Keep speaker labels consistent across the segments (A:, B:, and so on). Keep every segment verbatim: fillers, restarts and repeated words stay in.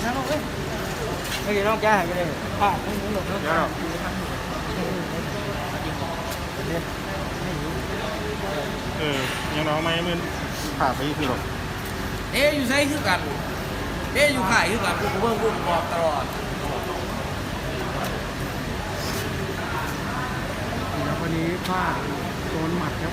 A: นะน้องเอ้ยไม่ใช่น้องจ้าหายไปเลยผ่าไม่หลงน้องจ้า
B: เออยังน้องไม่มึนผ่าไปคือหรอก
A: เอ๊อยู่ไซคือกันเอ๊อยู่ขายคือกันกูเบิ่งกูบอกตลอด
C: แล้ววันนี้พลาดโดนหมัดครับ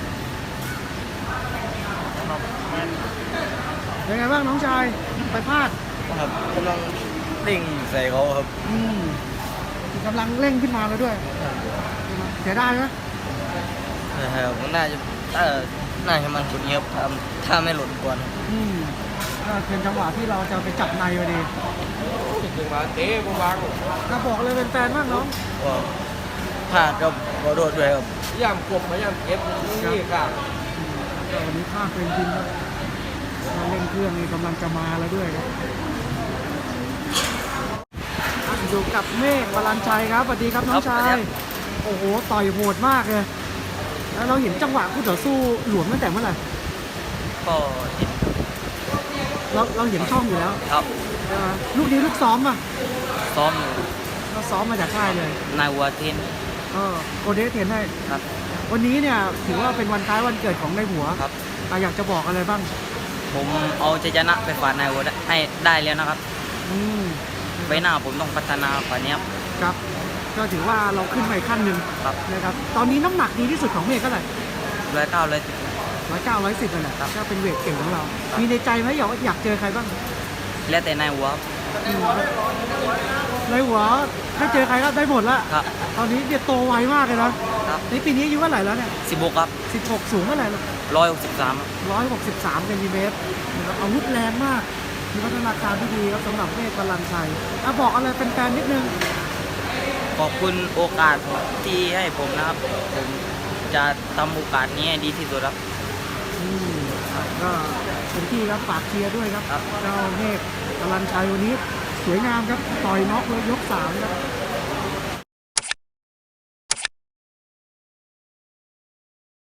C: ยังไงบ้างน้องชายไปพลาด
A: ครับกำลังเร่งใส่เขาครับ
C: อืมกำลังเร่งขึ้นมาแล้วด้วยเสียดายไหม
A: ครับน่าจะเออน่าจะมันคนเงียบครับถ้าไม่หล่นก่อน
C: อืมก็เป็นจังหวะที่เราจะไปจับในพอดี
A: ถึงมาเตะกูวาง
C: ก็บอกเลยเป็นแฟนมากน้อง
A: ว่าพลาดก็ขอโทษด้วยครับย่ำกบมาย่ำเก็บนี่ครับ
C: ก็วันนี้พลาดเป็นจริงครับเราเร่งเครื่องนี่กำลังจะมาแล้วด้วยครับอยู่กับเมฆวรัญชัยครับสวัสดีครับน้องชายโอ้โหต่อยโหดมากเลยแล้วเราเห็นจังหวะคู่ต่อสู้หลวมตั้งแต่เมื่อไหร่
A: ก็ติด
C: เราเราเห็นช่องอยู่แล้ว
A: ครับ
C: ใช่ไหมลูกนี้ลูกซ้อมอ่ะ
A: ซ้อมอยู่
C: เราซ้อมมาจากค่ายเลย
A: นายวัวเทน
C: เออโกเดสเทนให้
A: ครับ
C: วันนี้เนี่ยถือว่าเป็นวันคล้ายวันเกิดของในหัว
A: ครับ
C: อ่ะอยากจะบอกอะไรบ้าง
A: ผมเอาชัยชนะไปฝากนายวัวให้ได้แล้วนะครับ
C: อืม
A: ใบหน้าผมต้องพัฒนาฝ่านี้ครับ
C: ครับก็ถือว่าเราขึ้นมาอีกขั้นหนึ่ง
A: ครับ
C: นะครับตอนนี้น้ำหนักดีที่สุดของเมฆเท่าไหร่
A: ร้อยเก้าร้อยสิบ
C: ร้อยเก้าร้อยสิบนั่นแหละ
A: ครับ
C: ก็เป็นเวทเก่งของเรา
A: ครับ
C: มีในใจไหมอยากอยากเจอใครบ้าง
A: แล้วแต่นายวัว
C: อืมในหัวถ้าเจอใครก็ได้หมดละ
A: ครับ
C: ตอนนี้เนี่ยโตไวมากเลยนะครับ นี่ปีนี้อายุเท่าไหร่แล้วเนี่ย
A: สิบหกครับ
C: สิบหกสูงเท่าไหร่
A: ร้อยหกสิบสาม
C: ร้อยหกสิบสามเซนติเมตรนะครับอาวุธแรงมากมีพัฒนาการที่ดีครับสำหรับเมฆพลังชัยอ่ะบอกอะไรเป็นแฟนๆนิดนึง
A: ขอบคุณโอกาสที่ให้ผมนะครับ ผมจะทำโอกาสนี้ให้ดีที่สุดครับ
C: อืมครับก็เป็นที่ครับฝากเชียร์ด้วยครับ
A: ครับ
C: เจ้าเมฆพลังชัยวันนี้สวยงามครับต่อยน็อกเลยยกสามครับ